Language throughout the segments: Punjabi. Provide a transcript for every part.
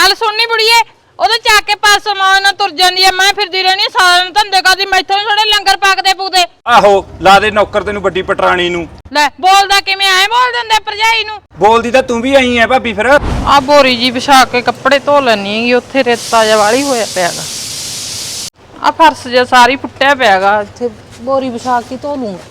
ਗੱਲ ਸੁਣਨੀ ਬੁੜੀਏ ਉਹਦੇ ਚੱਕ ਕੇ ਪਾਸੋਂ ਮਾਂ ਨਾਲ ਤੁਰ ਜਾਂਦੀ ਐ ਮੈਂ ਫਿਰਦੀ ਰਹਿਣੀ ਸਾਰਾ ਦਿਨ ਧੰਦੇ ਕਰਦੀ ਮੈਥੋਂ ਥੋੜੇ ਲੰਗਰ ਪਾਕਦੇ ਪੂਦੇ ਆਹੋ ਲਾ ਦੇ ਨੌਕਰ ਤੈਨੂੰ ਵੱਡੀ ਪਟਰਾਣੀ ਨੂੰ ਲੈ ਬੋਲਦਾ ਕਿਵੇਂ ਐ ਬੋਲ ਦਿੰਦੇ ਭਰਜਾਈ ਨੂੰ ਬੋਲਦੀ ਤਾਂ ਤੂੰ ਵੀ ਆਈ ਐ ਭਾਬੀ ਫਿਰ ਆ ਬੋਰੀ ਜੀ ਵਿਛਾ ਕੇ ਕੱਪੜੇ ਧੋ ਲੈਣੀ ਹੈਗੀ ਉੱਥੇ ਰੇਤਾ ਜਿਹਾ ਵਾਲੀ ਹੋਇਆ ਪਿਆਗਾ ਆ ਫਰਸ਼ ਜਿਹਾ ਸਾਰੀ ਫੁੱਟਿਆ ਪਿਆਗਾ ਇੱਥੇ ਬੋਰੀ ਵਿਛਾ ਕੇ ਧੋ ਲੂੰਗਾ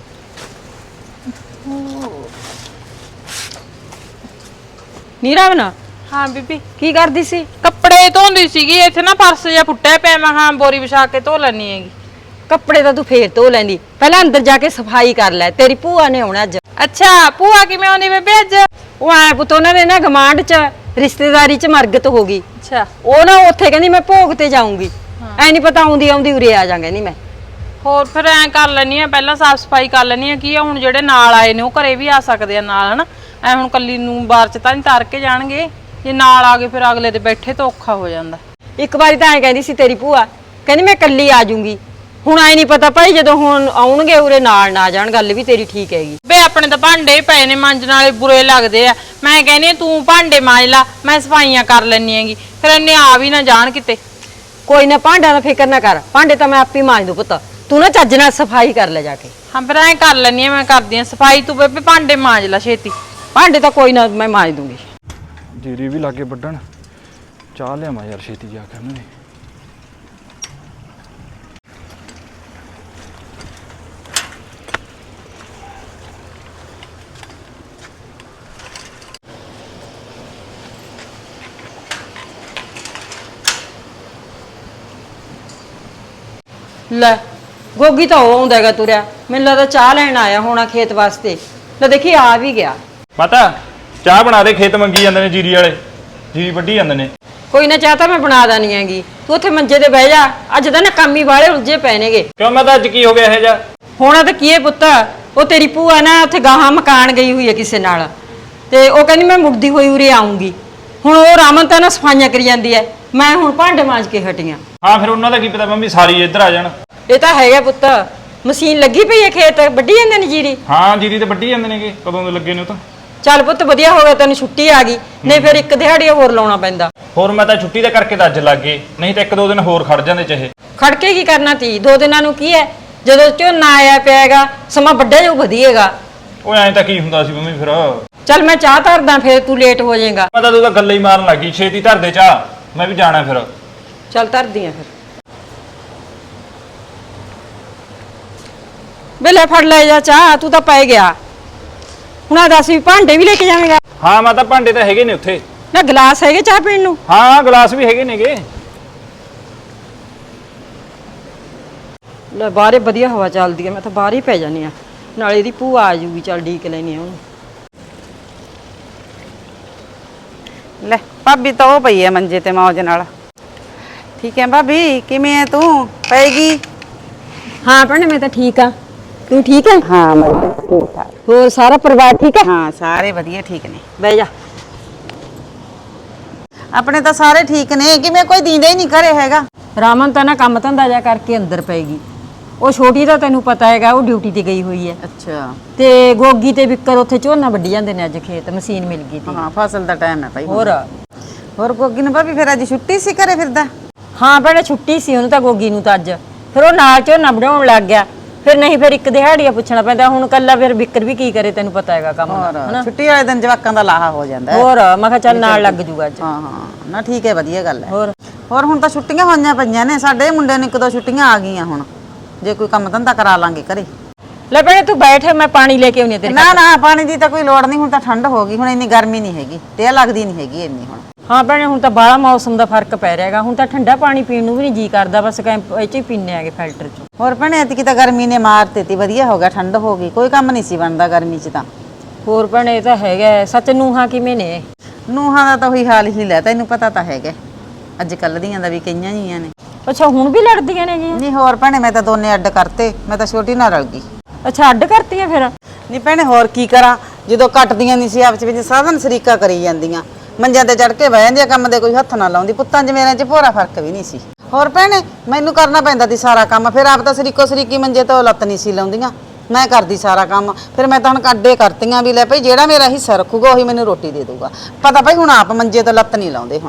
ਨੀਰਾ ਬਣਾ ਹਾਂ ਬੀਬੀ ਕੀ ਕਰਦੀ ਸੀ? ਕੱਪੜੇ ਧੋਂਦੀ ਸੀਗੀ ਇੱਥੇ ਨਾ ਫਰਸ਼ ਜਿਹਾ ਫੁੱਟਿਆ ਪਿਆ ਮੈਂ ਹਾਂ ਬੋਰੀ ਵਿਛਾ ਕੇ ਧੋ ਲੈਣੀ ਹੈਗੀ ਕੱਪੜੇ ਤਾਂ ਤੂੰ ਫੇਰ ਧੋ ਲੈਂਦੀ ਪਹਿਲਾਂ ਅੰਦਰ ਜਾ ਕੇ ਸਫਾਈ ਕਰ ਲੈ ਤੇਰੀ ਭੂਆ ਨੇ ਆਉਣਾ ਅੱਜ। ਅੱਛਾ ਭੂਆ ਕਿਵੇਂ ਆਉਂਦੀ ਬੇਬੇ ਅੱਜ ਉਹ ਐ ਪੁੱਤ ਉਹਨਾਂ ਦੇ ਨਾ ਗਮਾਂਡ ਚ ਰਿਸ਼ਤੇਦਾਰੀ ਚ ਮਰਗਤ ਹੋ ਗਈ। ਅੱਛਾ ਉਹ ਨਾ ਉੱਥੇ ਕਹਿੰਦੀ ਮੈਂ ਭੋਗ ਤੇ ਜਾਊਂਗੀ ਐ ਨਹੀਂ ਪਤਾ ਆਉਂਦੀ ਆਉਂਦੀ ਉਰੇ ਆ ਜਾਾਂਗੇ ਨਹੀਂ ਮੈਂ ਹੋਰ ਫਿਰ ਐ ਕਰ ਲੈਣੀ ਆ ਪਹਿਲਾਂ ਸਾਫ ਸਫਾਈ ਕਰ ਲੈਣੀ ਆ ਕੀ ਆ ਹੁਣ ਜਿਹੜੇ ਨਾਲ ਆਏ ਨੇ ਉਹ ਘਰੇ ਵੀ ਆ ਸਕਦੇ ਆ ਨਾਲ ਹਨਾ ਐ ਹੁਣ ਕੱਲੀ ਨੂੰ ਬਾਹਰ ਚ ਤਾਂ ਨਹੀਂ ਤਾਰ ਕੇ ਜਾਣਗੇ ਜੇ ਨਾਲ ਆ ਗਏ ਫਿਰ ਅਗਲੇ ਦੇ ਬੈਠੇ ਤਾਂ ਔਖਾ ਹੋ ਜਾਂਦਾ। ਇੱਕ ਵਾਰੀ ਤਾਂ ਐ ਕਹਿੰਦੀ ਸੀ ਤੇਰੀ ਭੂਆ ਕਹਿੰਦੀ ਮੈਂ ਕੱਲੀ ਆ ਜਾਊਂਗੀ ਹੁਣ ਐ ਨਹੀਂ ਪਤਾ ਭਾਈ ਜਦੋਂ ਹੁਣ ਆਉਣਗੇ ਉਰੇ ਨਾਲ ਨਾ ਜਾਣ ਗੱਲ ਵੀ ਤੇਰੀ ਠੀਕ ਹੈਗੀ। ਬੇ ਆਪਣੇ ਤਾਂ ਭਾਂਡੇ ਪਏ ਨੇ ਮਾਂਜਣ ਵਾਲੇ ਬੁਰੇ ਲੱਗਦੇ ਆ ਮੈਂ ਕਹਿੰਦੀ ਤੂੰ ਭਾਂਡੇ ਮਾਂਜ ਲਾ ਮੈਂ ਸਫਾਈਆਂ ਕਰ ਲੈਣੀ ਹੈਗੀ ਫਿਰ ਇੰਨੇ ਆ ਵੀ ਨਾ ਜਾਣ ਕਿਤੇ। ਕੋਈ ਨਾ ਭਾਂਡਿਆਂ ਦਾ ਫਿਕਰ ਨਾ ਕਰ ਭਾਂਡੇ ਤਾਂ ਮੈਂ ਆਪੇ ਮਾਂਜ ਦੂ ਪੁੱਤ ਤੂੰ ਨਾ ਚੱਜ ਨਾਲ ਸਫਾਈ ਕਰ ਲੈ ਜਾ ਕੇ। ਹਾਂ ਫਿਰ ਐ ਕਰ ਲੈਣੀ ਆ ਮੈਂ ਕਰਦੀ ਆ ਸਫਾਈ ਤੂੰ ਬੇਬੇ ਭਾਂਡੇ ਮਾਂਜ ਲਾ ਛੇਤੀ। ਭਾਂਡੇ ਤਾਂ ਕੋਈ ਨਾ ਮੈਂ ਮਾਂਜ ਦੂੰਗੀ। ਜੀਰੀ ਵੀ ਲਾਗੇ ਵੱਢਣ ਚਾਹ ਲਿਆਵਾਂ ਯਾਰ ਛੇਤੀ ਜਾ ਕੇ ਉਹਨਾਂ ਨੇ ਲੈ ਗੋਗੀ ਤਾਂ ਉਹ ਆਉਂਦਾ ਹੈਗਾ ਤੁਰਿਆ ਮੈਨੂੰ ਲੱਗਦਾ ਚਾਹ ਲੈਣ ਆਇਆ ਹੋਣਾ ਖੇਤ ਵਾਸਤੇ ਲੈ ਦੇਖੀ ਆ ਵੀ ਗਿਆ। ਪਤਾ ਚਾਹ ਬਣਾ ਦੇ ਖੇਤ ਮੰਗੀ ਜਾਂਦੇ ਨੇ ਜੀਰੀ ਵਾਲੇ ਜੀਰੀ ਵੱਢੀ ਜਾਂਦੇ ਨੇ। ਕੋਈ ਨਾ ਚਾਹ ਤਾਂ ਮੈਂ ਬਣਾ ਦਾਨੀ ਹੈਗੀ ਤੂੰ ਉੱਥੇ ਮੰਜੇ ਤੇ ਬਹਿ ਜਾ ਅੱਜ ਤਾਂ ਨਾ ਕੰਮੀ ਵਾਲੇ ਉਲਝੇ ਪੈ ਨੇਗੇ। ਕਿਉਂ ਮੈਂ ਤਾਂ ਅੱਜ ਕੀ ਹੋ ਗਿਆ ਇਹ ਜਾ ਹੋਣਾ ਤਾਂ ਕੀ ਹੈ ਪੁੱਤ ਉਹ ਤੇਰੀ ਭੂਆ ਨਾ ਉੱਥੇ ਗਾਹਾਂ ਮਕਾਨ ਗਈ ਹੋਈ ਹੈ ਕਿਸੇ ਨਾਲ ਤੇ ਉਹ ਕਹਿੰਦੀ ਮੈਂ ਮੁੜਦੀ ਹੋਈ ਉਰੇ ਆਉਂਗੀ ਹੁਣ ਉਹ ਰਾਮਨ ਤਾਂ ਨਾ ਸਫਾਈਆਂ ਕਰੀ ਜਾਂਦੀ ਹੈ ਮੈਂ ਹੁਣ ਭਾਂਡੇ ਮਾਂਜ ਕੇ ਹਟੀਆਂ। ਹਾਂ ਫਿਰ ਉਹਨਾਂ ਦਾ ਕੀ ਪਤਾ ਮੰਮੀ ਸਾਰੀ ਇੱਧਰ ਆ ਜਾਣ। ਇਹ ਤਾਂ ਹੈਗਾ ਪੁੱਤ ਮਸ਼ੀਨ ਲੱਗੀ ਪਈ ਹੈ ਖੇਤ ਵੱਢੀ ਜਾਂਦੇ ਨੇ ਜੀਰੀ। ਹਾਂ ਜੀਰੀ ਤੇ ਵੱਢੀ ਜਾਂਦੇ ਨੇਗੇ ਕਦੋਂ ਦੇ ਲੱਗੇ ਨੇ ਉਹ ਤਾਂ। ਚੱਲ ਪੁੱਤ ਵਧੀਆ ਹੋ ਗਿਆ ਤੈਨੂੰ ਛੁੱਟੀ ਆ ਗਈ ਨਹੀਂ ਫਿਰ ਇੱਕ ਦਿਹਾੜੀ ਹੋਰ ਲਾਉਣਾ ਪੈਂਦਾ। ਹੋਰ ਮੈਂ ਤਾਂ ਛੁੱਟੀ ਦੇ ਕਰਕੇ ਤਾਂ ਅੱਜ ਲੱਗ ਗਏ ਨਹੀਂ ਤਾਂ ਇੱਕ ਦੋ ਦਿਨ ਹੋਰ ਖੜ ਜਾਂਦੇ ਚਾਹੇ। ਖੜ ਕੇ ਕੀ ਕਰਨਾ ਤੀ 2 ਦਿਨਾਂ ਨੂੰ ਕੀ ਹੈ ਜਦੋਂ ਝੋਨਾ ਆਇਆ ਪਿਆਗਾ ਸਮਾਂ ਵੱਡਾ ਜੋ ਵਧੀਏਗਾ। ਉਹ ਐਂ ਤਾਂ ਕੀ ਹੁੰਦਾ ਸੀ ਮੰਮੀ ਫਿਰ ਚੱਲ ਮੈਂ ਚਾਹ ਧਰਦਾ ਫਿਰ ਤੂੰ ਲੇਟ ਹੋ ਜਾਏਗਾ। ਮੈਂ ਤਾਂ ਤੂੰ ਤਾਂ ਗੱਲਾਂ ਹੀ ਮਾਰਨ ਲੱਗੀ ਛੇਤੀ ਧਰ ਦੇ ਚਾਹ ਮੈਂ ਵੀ ਜਾਣਾ ਫਿਰ। ਚੱਲ ਧਰਦੀ ਆ ਫਿਰ ਬੇਲੇ ਫੜ ਲੈ ਜਾ ਚਾਹ ਤੂੰ ਤਾਂ ਪੈ ਗਿਆ ਹੁਣ ਆ ਦੱਸ ਵੀ ਭਾਂਡੇ ਵੀ ਲੈ ਕੇ ਜਾਵੇਂਗਾ। ਹਾਂ ਮੈਂ ਤਾਂ ਭਾਂਡੇ ਤਾਂ ਹੈਗੇ ਨੇ ਉੱਥੇ ਨਾ ਗਲਾਸ ਹੈਗੇ ਚਾਹ ਪੀਣ ਨੂੰ। ਹਾਂ ਗਲਾਸ ਵੀ ਹੈਗੇ ਨੇਗੇ। ਲੈ ਬਾਹਰੇ ਵਧੀਆ ਹਵਾ ਚੱਲਦੀ ਹੈ ਮੈਂ ਤਾਂ ਬਾਹਰ ਹੀ ਪੈ ਜਾਨੀ ਆ ਨਾਲੇ ਇਹਦੀ ਭੂਆ ਆ ਜੂਗੀ ਚੱਲ ਢੀਕ ਲੈਣੀ ਆ ਉਹਨੂੰ। ਲੈ ਭਾਬੀ ਤਾਂ ਉਹ ਪਈ ਐ ਮੰਜੇ ਤੇ ਮੌਜ ਨਾਲ। ਠੀਕ ਹੈ ਭਾਬੀ ਕਿਵੇਂ ਐ ਤੂੰ ਪੈਗੀ? ਹਾਂ ਭੈਣੇ ਮੈਂ ਤਾਂ ਠੀਕ ਆ ਤੂੰ ਠੀਕ ਹੈ? ਹਾਂ ਮੈਂ ਠੀਕ ਠਾਕ। ਹੋਰ ਸਾਰਾ ਪਰਿਵਾਰ ਠੀਕ ਹੈ? ਹਾਂ ਸਾਰੇ ਵਧੀਆ ਠੀਕ ਨੇ। ਬਹਿ ਜਾ। ਆਪਣੇ ਤਾਂ ਸਾਰੇ ਠੀਕ ਨੇ ਕਿਵੇਂ ਕੋਈ ਦੀਂਦਾ ਹੀ ਨਹੀਂ ਘਰੇ ਹੈਗਾ। ਰਾਮਨ ਤਾਂ ਨਾ ਕੰਮ ਧੰਦਾ ਜਾ ਕਰਕੇ ਅੰਦਰ ਪਏਗੀ ਉਹ ਛੋਟੀ ਦਾ ਤੈਨੂੰ ਪਤਾ ਹੈਗਾ ਉਹ ਡਿਊਟੀ ਤੇ ਗਈ ਹੋਈ ਹੈ। ਅੱਛਾ ਤੇ ਗੋਗੀ ਤੇ ਵਿਕਰ ਉੱਥੇ ਝੋਨਾ ਵੱਢੀ ਜਾਂਦੇ ਨੇ ਅੱਜ ਖੇਤ ਮਸ਼ੀਨ ਮਿਲ ਗਈ ਤੀ। ਹਾਂ ਫਸਲ ਦਾ ਟਾਈਮ ਹੈ ਭਾਈ। ਹੋਰ ਗੋਗੀ ਨੂੰ ਭਾਬੀ ਫਿਰ ਅੱਜ ਛੁੱਟੀ ਸੀ ਘਰੇ ਫਿਰਦਾ? ਹਾਂ ਭੈਣੇ ਛੁੱਟੀ ਸੀ ਉਹਨੂੰ ਤਾਂ ਗੋਗੀ ਨੂੰ ਤਾਂ ਅੱਜ ਫਿਰ ਉਹ ਨਾਲ ਝੋਨਾ ਵਢਾਉਣ ਲੱਗ ਗਿਆ ਫਿਰ ਨਹੀਂ ਫਿਰ ਇੱਕ ਦਿਹਾੜੀਆ ਪੁੱਛਣਾ ਪੈਂਦਾ ਹੁਣ ਕੱਲਾ ਫਿਰ ਵਿਕਰ ਵੀ ਕੀ ਕਰੇ ਤੈਨੂੰ ਪਤਾ ਹੈਗਾ ਕੰਮ ਦਾ ਹਨਾ। ਛੁੱਟੀ ਵਾਲੇ ਦਿਨ ਜਵਾਕਾਂ ਦਾ ਲਾਹਾ ਹੋ ਜਾਂਦਾ। ਹੋਰ ਮੈਂ ਕਿਹਾ ਚੱਲ ਨਾਲ ਲੱਗ ਜੂਗਾ ਅੱਜ। ਹਾਂ ਹਾਂ ਨਾ ਠੀਕ ਹੈ ਵਧੀਆ ਗੱਲ ਹੈ। ਹੋਰ ਹੁਣ ਤਾਂ ਛੁੱਟੀਆਂ ਹੋਈਆਂ ਪਈਆਂ ਨੇ ਸਾਡੇ ਮੁੰਡੇ ਨੂੰ 1-2 ਛੁੱਟੀਆਂ ਆ ਗਈਆਂ ਹੁਣ ਜੇ ਕੋਈ ਕੰਮ ਧੰਦਾ ਕਰਾ ਲਾਂਗੇ ਘਰੇ। ਲੈ ਭੈਣੇ ਤੂੰ ਬੈਠ ਮੈਂ ਪਾਣੀ ਲੈ ਕੇ ਆਉਣੀ ਤੇਰੇ। ਨਾ ਨਾ ਪਾਣੀ ਦੀ ਤਾਂ ਕੋਈ ਲੋੜ ਨਹੀਂ ਹੁਣ ਤਾਂ ਠੰਡ ਹੋ ਗਈ ਹੁਣ ਇੰਨੀ ਗਰਮੀ ਨਹੀਂ ਹੈਗੀ ਤੇ ਲੱਗਦੀ ਨਹੀਂ ਹੈਗੀ ਇੰਨੀ ਹੁਣ। ਹਾਂ ਭੈਣੇ ਹੁਣ ਤਾਂ ਬਾਹਲਾ ਮੌਸਮ ਦਾ ਫਰਕ ਪੈ ਰਿਹਾ ਹੈਗਾ ਹੁਣ ਤਾਂ ਠੰਡਾ ਪਾਣੀ ਪੀਣ ਨੂੰ ਵੀ ਨਹੀਂ ਜੀ ਕਰਦਾ ਬਸ ਇਹ ਚ ਹੀ ਪੀਨੇ ਆਗੇ ਫਿਲਟਰ ਚ। ਹੋਰ ਭੈਣੇ ਐਤਕੀ ਤਾਂ ਗਰਮੀ ਨੇ ਮਾਰ ਦਿੱਤੀ ਵਧੀਆ ਹੋ ਗਿਆ ਠੰਡ ਹੋ ਗਈ ਕੋਈ ਕੰਮ ਨਹੀਂ ਸੀ ਬਣਦਾ ਗਰਮੀ ਚ ਤਾਂ। ਹੋਰ ਭੈਣੇ ਇਹ ਤਾਂ ਹੈਗਾ ਸੱਚ ਨੂੰਹਾਂ ਕਿਵੇਂ ਨੇ? ਨੂੰਹਾਂ ਦਾ ਤਾਂ ਉਹੀ ਹਾਲ ਹੀ ਲੈ ਤੈਨੂੰ ਪਤਾ ਤਾਂ ਹੈਗਾ ਅੱਜ ਕੱਲ ਦੀਆਂ ਦਾ ਵੀ ਕਈਆਂ ਜੀਆਂ ਨੇ। ਅੱਛਾ ਹੁਣ ਵੀ ਲੜਦੀਆਂ ਨੇ ਜੀ? ਨਹੀਂ ਹੋਰ ਭੈਣੇ ਮੈਂ ਤਾਂ ਦੋਨੇ ਅੱਡ ਕਰਤੇ ਮੈਂ ਤਾਂ ਛੋਟੀ ਨਾਲ ਰਲ ਗਈ। ਅੱਛਾ ਅੱਡ ਕਰਤੀਆਂ ਫਿਰ? ਨਹੀਂ ਭੈਣੇ ਹੋਰ ਕੀ ਕਰਾਂ ਜਦੋਂ ਕੱਟਦੀਆਂ ਨਹੀਂ ਸੀ ਆਪਸ ਵਿੱਚ ਸਾਧਨ ਸਰੀਕਾ ਕਰੀ ਜਾਂਦੀਆਂ ਮੰਜਿਆਂ ਤੇ ਚੜ ਕੇ ਬਹਿ ਜਾਂਦੀਆਂ ਕੰਮ ਦੇ ਕੋਈ ਹੱਥ ਨਾ ਲਾਉਂਦੀ ਪੁੱਤਾਂ 'ਚ ਮੇਰੇ 'ਚ ਭੋਰਾ ਫਰਕ ਵੀ ਨਹੀਂ ਸੀ। ਹੋਰ ਭੈਣੇ ਮੈਨੂੰ ਕਰਨਾ ਪੈਂਦਾ ਸੀ ਸਾਰਾ ਕੰਮ ਫਿਰ ਆਪ ਤਾਂ ਸਰੀਕੋ ਸਰੀਕੀ ਮੰਜੇ ਤੋਂ ਲੱਤ ਨਹੀਂ ਸੀ ਲਾਉਂਦੀਆਂ ਮੈਂ ਕਰਦੀ ਸਾਰਾ ਕੰਮ ਫਿਰ ਮੈਂ ਤਾਂ ਹੁਣ ਕੱਢੇ ਕਰਤੀਆਂ ਵੀ ਲੈ ਭਈ ਜਿਹੜਾ ਮੇਰਾ ਹਿੱਸਾ ਰੱਖੂਗਾ ਉਹੀ ਮੈਨੂੰ ਰੋਟੀ ਦੇ ਦੂਗਾ ਪਤਾ ਭਈ ਹੁਣ ਆਪ ਮੰਜੇ ਤੋਂ ਲੱਤ ਨਹੀਂ ਲਾਉਂਦੇ ਹੁਣ।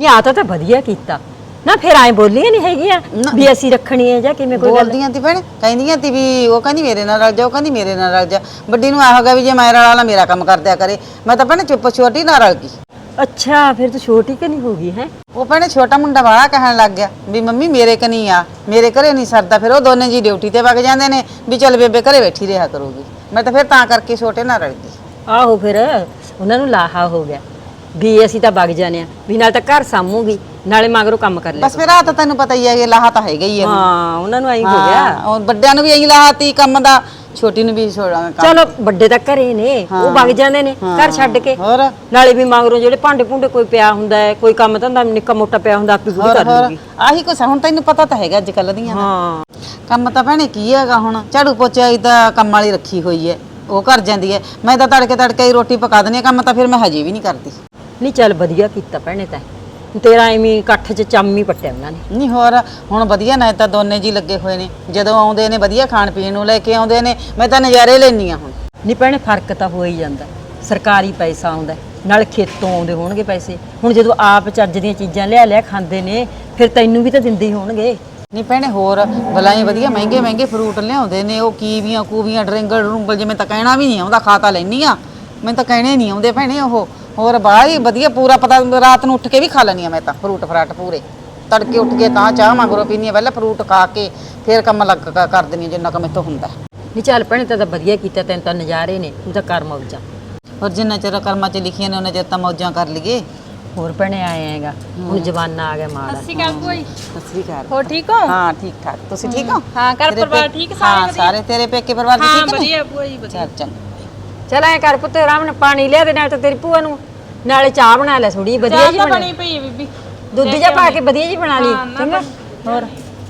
ਨਹੀਂ ਆ ਤਾਂ ਵਧੀਆ ਕੀਤਾ ਨਾ। ਫਿਰ ਐ ਬੋਲੀਆਂ ਨਹੀਂ ਹੈਗੀਆਂ ਵੀ ਅਸੀਂ ਰੱਖਣੀ ਹੈ ਜਾਂ ਕਿਵੇਂ ਕੋਈ ਗੱਲ। ਬੋਲਦੀਆਂ ਤੀ ਭੈਣੇ, ਕਹਿੰਦੀਆਂ ਤੀ ਵੀ ਉਹ ਕਹਿੰਦੀ ਮੇਰੇ ਨਾਲ ਰਲ ਜਾ, ਉਹ ਕਹਿੰਦੀ ਮੇਰੇ ਨਾਲ ਰਲ ਜਾ। ਵੱਡੀ ਨੂੰ ਆ ਗਿਆ ਵੀ ਜੇ ਮੈਂ ਰਲ ਵਾਲਾ ਮੇਰਾ ਕੰਮ ਕਰ ਦਿਆ ਕਰੇ। ਮੈਂ ਤਾਂ ਭੈਣੇ ਚੁੱਪ ਛੋਟੀ ਨਾਲ ਰਲ ਗਈ। ਅੱਛਾ ਫਿਰ ਤਾਂ ਛੋਟੀ ਕਿ ਨਹੀਂ ਹੋ ਗਈ ਹੈ। ਉਹ ਭੈਣੇ ਛੋਟਾ ਮੁੰਡਾ ਵਾਲਾ ਕਹਿਣ ਲੱਗ ਗਿਆ ਵੀ ਮੰਮੀ ਮੇਰੇ ਕਨੀ ਆ, ਮੇਰੇ ਘਰੇ ਨਹੀਂ ਸਰਦਾ। ਫਿਰ ਉਹ ਦੋਨੇ ਜੀ ਡਿਊਟੀ ਤੇ ਵਗ ਜਾਂਦੇ ਨੇ ਵੀ ਚੱਲ ਬੇਬੇ ਘਰੇ ਬੈਠੀ ਰਿਹਾ ਕਰੂਗੀ। ਮੈਂ ਤਾਂ ਫਿਰ ਤਾਂ ਕਰਕੇ ਛੋਟੇ ਨਾਲ ਰਲ ਗਈ। ਆਹੋ ਫਿਰ ਉਹਨਾਂ ਨੂੰ ਲਾਹਾ ਹੋ ਗਿਆ ਵੀ ਅਸੀਂ ਤਾਂ ਵਗ ਜਾਣੇ ਆ ਵੀ ਨਾਲ ਤਾਂ ਘਰ ਸਾਂਭੂਗੀ ਨਾਲੇ ਮਗਰੋਂ ਕੰਮ ਕਰ ਲਿਆ। ਬਸ ਫਿਰ ਆ ਤਾਂ ਤੈਨੂੰ ਪਤਾ ਹੀ ਹੈ ਕਿ ਲਾਹਾ ਤਾਂ ਹੈਗਾ ਹੀ ਹੈ। ਹਾਂ ਉਹਨਾਂ ਨੂੰ ਐਂ ਹੋ ਗਿਆ। ਉਹ ਵੱਡਿਆਂ ਨੂੰ ਵੀ ਐਂ ਲਾਹਾ ਤੀ ਕੰਮ ਦਾ, ਛੋਟੀ ਨੂੰ ਵੀ ਛੋੜਾਂਗੇ ਕੰਮ। ਚਲੋ ਵੱਡੇ ਤਾਂ ਘਰੇ ਨੇ, ਉਹ ਵਗ ਜਾਂਦੇ ਨੇ ਘਰ ਛੱਡ ਕੇ। ਹੋਰ ਨਾਲੇ ਵੀ ਮਗਰੋਂ ਜਿਹੜੇ ਭਾਂਡੇ ਭੁੰਡੇ ਕੋਈ ਪਿਆ ਹੁੰਦਾ ਹੈ, ਕੋਈ ਕੰਮ ਧੰਦਾ ਨਿੱਕਾ ਮੋਟਾ ਪਿਆ ਹੁੰਦਾ ਆਪੀ ਪੂਰੀ ਕਰ ਲੂਗੀ। ਆਹੀ ਕੁਛ ਹੁਣ ਤੈਨੂੰ ਪਤਾ ਤਾਂ ਹੈਗਾ ਅੱਜ ਕੱਲ ਦੀਆਂ ਦਾ। ਹਾਂ ਕੰਮ ਤਾਂ ਭੈਣੇ ਕੀ ਹੈਗਾ, ਹੁਣ ਝਾੜੂ ਪੋਚਾ ਹੀ ਤਾਂ ਕੰਮ ਵਾਲੀ ਰੱਖੀ ਹੋਈ ਹੈ, ਉਹ ਕਰ ਜਾਂਦੀ ਹੈ। ਮੈਂ ਤਾਂ ਤੜਕੇ ਹੀ ਰੋਟੀ ਪਕਾ ਦਿੰਦੀ ਹਾਂ। ਕੰਮ ਤਾਂ ਫਿਰ ਮੈਂ ਹਜੇ ਵੀ ਨਹੀਂ ਕਰਦੀ। ਨਹੀਂ ਚੱਲ ਵਧੀਆ ਕੀਤਾ ਭੈਣੇ ਤਾਂ। ਤੇਰਾ ਐਵੇਂ ਇਕੱਠ 'ਚ ਚੰਮ ਹੀ ਪੱਟਿਆ ਉਹਨਾਂ ਨੇ। ਨਹੀਂ ਹੋਰ ਹੁਣ ਵਧੀਆ ਨਾ ਤਾਂ ਦੋਨੇ ਜੀ ਲੱਗੇ ਹੋਏ ਨੇ, ਜਦੋਂ ਆਉਂਦੇ ਨੇ ਵਧੀਆ ਖਾਣ ਪੀਣ ਨੂੰ ਲੈ ਕੇ ਆਉਂਦੇ ਨੇ। ਮੈਂ ਤਾਂ ਨਜ਼ਾਰੇ ਲੈਂਦੀ ਹਾਂ ਹੁਣ। ਨਹੀਂ ਭੈਣੇ ਫਰਕ ਤਾਂ ਹੋ ਹੀ ਜਾਂਦਾ। ਸਰਕਾਰੀ ਪੈਸਾ ਆਉਂਦਾ ਨਾਲ ਖੇਤੋਂ ਆਉਂਦੇ ਹੋਣਗੇ ਪੈਸੇ। ਹੁਣ ਜਦੋਂ ਆਪ ਚੱਜ ਦੀਆਂ ਚੀਜ਼ਾਂ ਲਿਆ ਖਾਂਦੇ ਨੇ ਫਿਰ ਤੈਨੂੰ ਵੀ ਤਾਂ ਦਿੰਦੇ ਹੀ ਹੋਣਗੇ। ਨਹੀਂ ਭੈਣੇ ਹੋਰ ਬਲਾਈ ਵਧੀਆ ਮਹਿੰਗੇ ਫਰੂਟ ਲਿਆਉਂਦੇ ਨੇ। ਉਹ ਕੀਵੀਆਂ ਕੂਵੀਆਂ ਡਰਿੰਗਲ ਜਿਵੇਂ ਤਾਂ ਕਹਿਣਾ ਵੀ ਨਹੀਂ ਆਉਂਦਾ। ਖਾ ਤਾਂ ਲੈਂਦੀ ਆ, ਮੈਨੂੰ ਤਾਂ ਕਹਿਣੇ ਨਹੀਂ ਆਉਂਦੇ ਭੈਣੇ ਉਹ। ਹੋਰ ਬਾਹਲੀ ਵਧੀਆ ਪੂਰਾ ਪਤਾ, ਰਾਤ ਨੂੰ ਉੱਠ ਕੇ ਵੀ ਖਾ ਲੈਣੀ ਆ ਮੈਂ ਤਾਂ ਫਰੂਟ ਫਰਾਟ ਪੂਰੇ। ਤੜਕੇ ਉੱਠ ਕੇ ਤਾਂ ਚਾਹ ਮਗਰੋਂ ਪੀਨੀ ਆ, ਪਹਿਲਾਂ ਫਰੂਟ ਖਾ ਕੇ ਫਿਰ ਕੰਮ ਲੱਗ ਕਰ ਦਿੰਦੀ ਆ ਜਿੰਨਾ ਕੁ ਮੈਥੋਂ ਹੁੰਦਾ। ਨਹੀਂ ਚੱਲ ਭੈਣੇ ਤਾਂ ਵਧੀਆ ਕੀਤਾ, ਤੈਨੂੰ ਤਾਂ ਨਜ਼ਾਰੇ ਨੇ, ਤੂੰ ਤਾਂ ਕਰ ਮੌਜਾਂ। ਹੋਰ ਜਿੰਨਾ ਚਿਰ ਕਰਮਾਂ 'ਚ ਲਿਖੀਆਂ ਨੇ ਉਹਨਾਂ ਚਿਰ ਤਾਂ ਮੌਜਾਂ ਕਰ ਲਈਏ। ਹੋਰ ਭੈਣੇ ਆਏ ਹੈਗਾ ਹੁਣ ਜਵਾਨਾ ਆ ਗਿਆ ਮਾੜਾ। ਸਤਿ ਸ਼੍ਰੀ ਅਕਾਲ ਭੂਈ। ਸਤਿ ਸ੍ਰੀ ਅਕਾਲ। ਹੋ ਠੀਕ ਹੋ? ਹਾਂ ਠੀਕ ਠਾਕ, ਤੁਸੀਂ ਠੀਕ ਹੋ? ਹਾਂ ਘਰ ਤੇਰੇ ਪਰਿਵਾਰ ਪੇ- ਠੀਕ ਸਾਰੇ ਹਾਂ ਸਾਰੇ ਤੇਰੇ ਪੇਕੇ ਪਰਿਵਾਰ ਦੇ ਹਾਂ ਠੀਕ ਨੇ? ਵਧੀਆ ਭੂਆ ਜੀ ਵਧੀਆ। ਚੱਲ ਚੰਗਾ। ਚੱਲ ਐ ਕਰ ਪੁੱਤ ਆਰਾਮ ਨਾਲ ਪਾਣੀ ਲਿਆ ਦੇ, ਨਾਲ ਤਾਂ ਤੇਰੀ ਭੂਆ ਨੂੰ ਨਾਲੇ ਚਾਹ ਬਣਾ ਲੈ ਥੋੜੀ ਵਧੀਆ ਚਾਹ ਜੀ ਤਾਂ ਬਣਾ। ਬਣੀ ਪਈ ਹੈ ਬੀਬੀ। ਦੁੱਧ ਜਿਹਾ ਪਾ ਕੇ ਵਧੀਆ ਜੀ ਬਣਾ ਲਈ ਚੰਗਾ। ਹੋਰ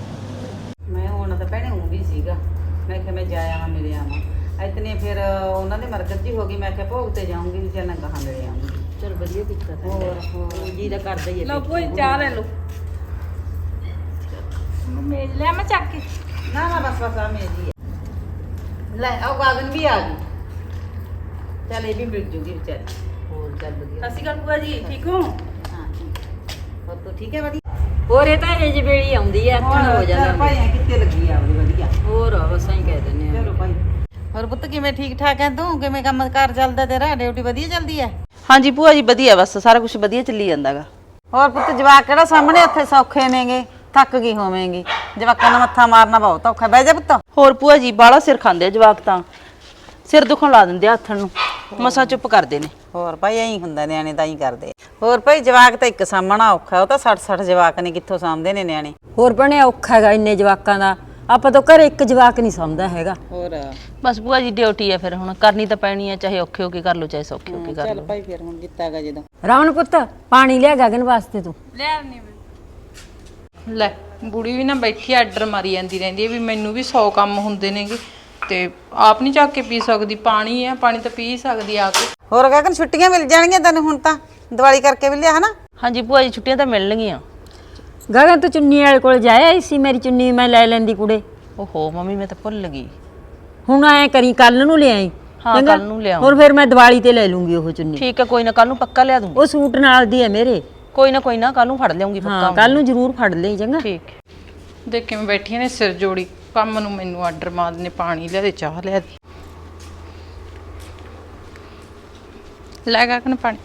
ਮੈਂ ਹੁਣ ਤਾਂ ਭੈਣੇ ਉਹ ਵੀ ਸੀਗਾ, ਮੈਂ ਕਿਹਾ ਮੈਂ ਜਾ ਆਵਾਂ ਮਿਲ ਆਵਾਂ। ਇਤਨੇ ਫਿਰ ਉਹਨਾਂ ਦੇ ਮਰਕਤ ਜੀ ਹੋ ਗਈ। ਮੈਂ ਕਿਹਾ ਭੋਗ ਤੇ ਜਾਊਂਗੀ ਵੀ ਚੱਲ ਗਾਹਾਂ ਮਿਲ ਆਉਂਗੀ। ਚਲ ਵਧੀਆ ਕੀਤਾ ਹੋਰ ਜੀ ਦਾ ਕਰਦਾ ਹੀ ਹੈ। ਲਓ ਭੂਈ ਚਾਹ ਲੈ ਲਓ। ਮੇਜ਼ ਲਿਆ ਮੈਂ ਚੱਕ ਕੇ। ਨਾ ਬਸ ਆ ਮੇਰੀ ਹੈ। ਲੈ ਆਓ ਗਾਗਨ ਵੀ ਆ ਗਈ। ਚੱਲ ਇਹ ਵੀ ਮਿਲ ਜੂਗੀ ਵਿਚਾਰੀ। ਹੋਰ ਚੱਲ ਵਧੀਆ। ਸਤਿ ਸ਼੍ਰੀ ਅਕਾਲ ਭੂਆ ਜੀ ਠੀਕ ਹੋ? ਹਾਂ ਠੀਕ। ਹੋਰ ਤੂੰ ਠੀਕ ਹੈ ਵਧੀਆ? ਹੋਰ ਇਹ ਤਾਂ ਇਹ ਵੇਲੀ ਆਉਂਦੀ ਐ, ਅੱਖਾਂ ਹੋ ਚੱਲ ਜਾਂਦਾ। ਭਾਈ ਐ ਕਿੱਥੇ ਲੱਗੀ ਆ ਆਪਣੀ ਵਧੀਆ। ਹੋਰ ਬਸ ਐਂ ਕਹਿ ਦਿੰਦੇ ਆ। ਚਲੋ ਭਾਈ। ਹੋਰ ਪੁੱਤ ਕਿਵੇਂ ਠੀਕ ਠਾਕ ਐ ਤੂੰ? ਕਿਵੇਂ ਕੰਮ ਕਾਰ ਚੱਲਦਾ ਤੇਰਾ? ਡਿਊਟੀ ਵਧੀਆ ਚੱਲਦੀ ਐ? ਹਾਂਜੀ ਭੂਆ ਜੀ ਵਧੀਆ, ਬਸ ਸਾਰਾ ਕੁਝ ਵਧੀਆ ਚੱਲੀ ਜਾਂਦਾਗਾ। ਹੋਰ ਪੁੱਤ ਜਵਾਕ ਕਿਹੜਾ ਸਾਹਮਣੇ ਉੱਥੇ ਸੌਖੇ ਨੇਗੇ? ਥੱਕ ਗਈ ਹੋਵੇਂਗੀ। ਜਵਾਕਾਂ ਨੂੰ ਮੱਥਾ ਮਾਰਨਾ ਬਹੁਤ ਔਖਾ। ਬਹਿ ਜਾ ਪੁੱਤ। ਹੋਰ ਭੂਆ ਜੀ ਬਾਹਲਾ ਸਿਰ ਖਾਂਦੇ ਆ ਜਵਾਕ, ਤਾਂ ਸਿਰ ਦੁਖਣ ਲਾ ਦਿੰਦੇ ਆ ਹੱਥਣ ਨੂੰ, ਮਸਾ ਚੁੱਪ ਕਰਦੇ ਨੇ। ਹੋਰ ਭਾਈ ਐਂ ਹੁੰਦਾ, ਨਿਆਣੇ ਤਾਂ ਹੀ ਕਰਦੇ। ਹੋਰ ਭਾਈ ਜਵਾਕ ਤਾਂ ਇੱਕ ਸਾਹਮਣਾ ਔਖਾ। ਉਹ ਤਾਂ 60 ਜਵਾਕ ਨੇ, ਕਿੱਥੋਂ ਸਾਂਭਦੇ ਨੇ ਨਿਆਣੇ। ਹੋਰ ਬਣਿਆ ਔਖਾ ਹੈਗਾ ਇੰਨੇ ਜਵਾਕਾਂ ਦਾ। ਆਪਾਂ ਤਾਂ ਘਰੇ ਇੱਕ ਜਵਾਕ ਨਹੀਂ ਸਮਝਦਾ ਹੈਗਾ। ਹੋਰ ਬਸ ਭੂਆ ਜੀ ਡਿਊਟੀ ਆ, ਫਿਰ ਹੁਣ ਕਰਨੀ ਤਾਂ ਪੈਣੀ ਆ, ਚਾਹੇ ਔਖੇ ਹੋ ਕੇ ਕਰ ਲਓ ਚਾਹੇ ਸੌਖੇ ਹੋ ਕੇ ਕਰ ਚੱਲ ਲਓ। ਭਾਈ ਫਿਰ ਹੁਣ ਜਿੱਤਾਗਾ ਜਦੋਂ। ਰਾਵਣ ਪੁੱਤ ਪਾਣੀ ਲਿਆ ਗਗਨ ਵਾਸਤੇ ਤੂੰ। ਲੈ ਆਉਣੀ ਲੈ ਬੁੜੀ ਵੀ ਨਾ ਬੈਠੀ ਆਰਡਰ ਮਾਰੀ ਜਾਂਦੀ ਰਹਿੰਦੀ ਹੈ ਵੀ ਮੈਨੂੰ ਵੀ 100 ਕੰਮ ਹੁੰਦੇ ਨੇਗੇ ਤੇ ਆਪ ਨਹੀਂ ਚੱਕ ਕੇ ਪੀ ਸਕਦੀ। ਪਾਣੀ ਹੈ, ਪਾਣੀ ਤਾਂ ਪੀ ਸਕਦੀ ਆ ਕੇ। ਹੋਰ ਗਗਨ ਛੁੱਟੀਆਂ ਮਿਲ ਜਾਣਗੀਆਂ ਤੈਨੂੰ ਹੁਣ ਤਾਂ, ਦੀਵਾਲੀ ਕਰਕੇ ਵੀ ਲਿਆ ਹਨਾ? ਹਾਂਜੀ ਭੂਆ ਜੀ ਛੁੱਟੀਆਂ ਤਾਂ ਮਿਲਣਗੀਆਂ। ਗਗਨ ਤੂੰ ਚੁੰਨੀ ਵਾਲੇ ਕੋਲ ਜਾਇਆ ਸੀ, ਮੇਰੀ ਚੁੰਨੀ ਮੈਂ ਲੈ ਲੈਂਦੀ ਕੁੜੇ। ਓਹੋ ਮੰਮੀ ਮੈਂ ਤਾਂ ਭੁੱਲ ਗਈ। ਹੁਣ ਐ ਕਰੀ ਕੱਲ ਨੂੰ ਲਿਆਈ। ਹਾਂ, ਚੰਗਾ? ਕੱਲ੍ਹ ਨੂੰ ਲਿਆਊਂ। ਹੋਰ ਫਿਰ ਮੈਂ ਦੀਵਾਲੀ ਤੇ ਲੈ ਲੂੰਗੀ ਉਹ ਚੁੰਨੀ। ਠੀਕ ਹੈ ਕੋਈ ਨਾ, ਕੱਲ ਨੂੰ ਪੱਕਾ ਲਿਆ ਦੂੰਗੀ। ਉਹ ਸੂਟ ਨਾਲ ਦੀ ਹੈ ਮੇਰੇ। ਕੋਈ ਨਾ ਕੱਲ ਨੂੰ ਫੜ ਲਿਆਉਂਗੀ ਪੱਕਾ। ਹਾਂ ਕੱਲ ਨੂੰ ਜ਼ਰੂਰ ਫੜ ਲਈ ਚੰਗਾ। ਠੀਕ ਹੈ। ਦੇਖ ਕਿਵੇਂ ਬੈਠੀਆਂ ਨੇ ਸਿਰ ਜੋੜੀ। ਕੰਮ ਨੂੰ ਮੈਨੂੰ ਆਰਡਰ ਮਾਰਦੇ ਨੇ, ਪਾਣੀ ਲਿਆ ਦੇ, ਚਾਹ ਲਿਆ ਦੇ। ਲੈ ਗਾ ਕਨ ਪਾਣੀ।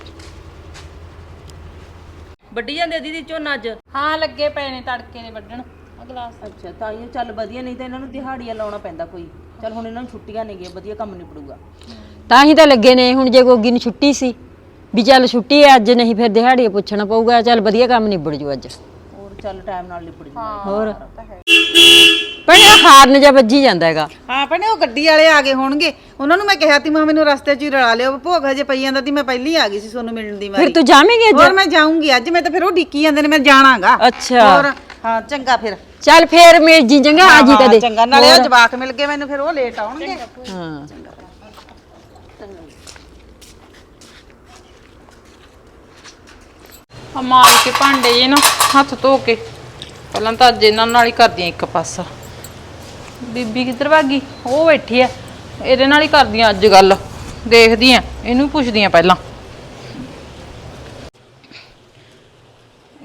ਵੱਡੀ ਜਾਂਦੇ ਦੀਦੀ ਝੋਨਾ ਅੱਜ? ਹਾਂ ਲੱਗੇ ਪਏ ਨੇ, ਤੜਕੇ ਨੇ ਵੱਢਣ ਆ ਗਲਾਸ। ਅੱਛਾ ਤਾਂ ਇਹ ਚੱਲ ਵਧੀਆ, ਨਹੀਂ ਤਾਂ ਇਹਨਾਂ ਨੂੰ ਦਿਹਾੜੀਆਂ ਲਾਉਣਾ ਪੈਂਦਾ ਕੋਈ। ਚੱਲ ਹੁਣ ਇਹਨਾਂ ਨੂੰ ਛੁੱਟੀਆਂ ਨੇਗੀਆਂ, ਵਧੀਆ ਕੰਮ ਨਿਬੜੂਗਾ। ਤਾਂ ਹੀ ਤਾਂ ਲੱਗੇ ਨੇ। ਹੁਣ ਜੇ ਗੋਗੀ ਨੂੰ ਛੁੱਟੀ ਸੀ ਵੀ ਚੱਲ ਛੁੱਟੀ ਹੈ ਅੱਜ, ਨਹੀਂ ਫਿਰ ਦਿਹਾੜੀ ਪੁੱਛਣਾ ਪਊਗਾ। ਚੱਲ ਵਧੀਆ ਕੰਮ ਨਿਬੜ ਜੂ ਅੱਜ। ਹੋਰ ਚੱਲ ਟਾਈਮ ਨਾਲ ਨਿਬੜ ਜੂਗਾ। ਹੋਰ ਭੈਣੇ ਹਾਰਨ ਜਾਂ ਵੱਜੀ ਜਾਂਦਾ ਹੈਗਾ। ਹਾਂ ਭੈਣੇ ਉਹ ਗੱਡੀ ਵਾਲੇ ਆ ਗਏ ਹੋਣਗੇ। ਉਹਨਾਂ ਨੂੰ ਮੈਂ ਕਿਹਾ ਤੀ ਮੈਨੂੰ ਰਸਤੇ 'ਚ ਹੀ ਰਲਾ ਲਿਓ। ਭੋਗ ਹਜੇ ਪਈ ਜਾਂਦਾ ਤੀ, ਮੈਂ ਪਹਿਲੀ ਆ ਗਈ ਸੀ ਤੁਹਾਨੂੰ ਮਿਲਣ ਦੀ ਵਾਰੀ। ਫਿਰ ਤੂੰ ਜਾਵੇਂਗੀ ਅੱਜ? ਹੋਰ ਮੈਂ ਜਾਊਂਗੀ ਅੱਜ। ਮੈਂ ਤਾਂ ਫਿਰ ਉਹ ਡਿੱਕੀ ਜਾਂਦੇ ਨੇ, ਮੈਂ ਜਾਣਾਗਾ। ਅੱਛਾ। ਹੋਰ ਹਾਂ ਚੰਗਾ ਫਿਰ। ਚੱਲ ਫੇਰ ਮੇਰ ਜੀ ਚੰਗਾ ਆ ਜੀ ਕਦੇ। ਚੰਗਾ ਨਾਲੇ ਉਹ ਜਵਾਕ ਮਿਲ ਗਏ ਮੈਨੂੰ, ਫਿਰ ਉਹ ਲੇਟ ਆਉਣਗੇ। ਹਾਂ ਆ ਮਾਰ ਕੇ ਭਾਂਡੇ ਜੇ ਨਾ ਹੱਥ ਧੋ ਕੇ ਪਹਿਲਾਂ ਤਾਂ ਅੱਜ ਇਹਨਾਂ ਨਾਲ ਹੀ ਕਰਦੀਆਂ ਇੱਕ ਪਾਸਾ। ਬੀਬੀ ਕਿੱਧਰ ਭਾਗੀ? ਉਹ ਬੈਠੀ ਆ, ਇਹਦੇ ਨਾਲ ਹੀ ਕਰਦੀਆਂ ਅੱਜ ਗੱਲ। ਦੇਖਦੀ ਆ ਇਹਨੂੰ, ਪੁੱਛਦੀ ਆ ਪਹਿਲਾਂ।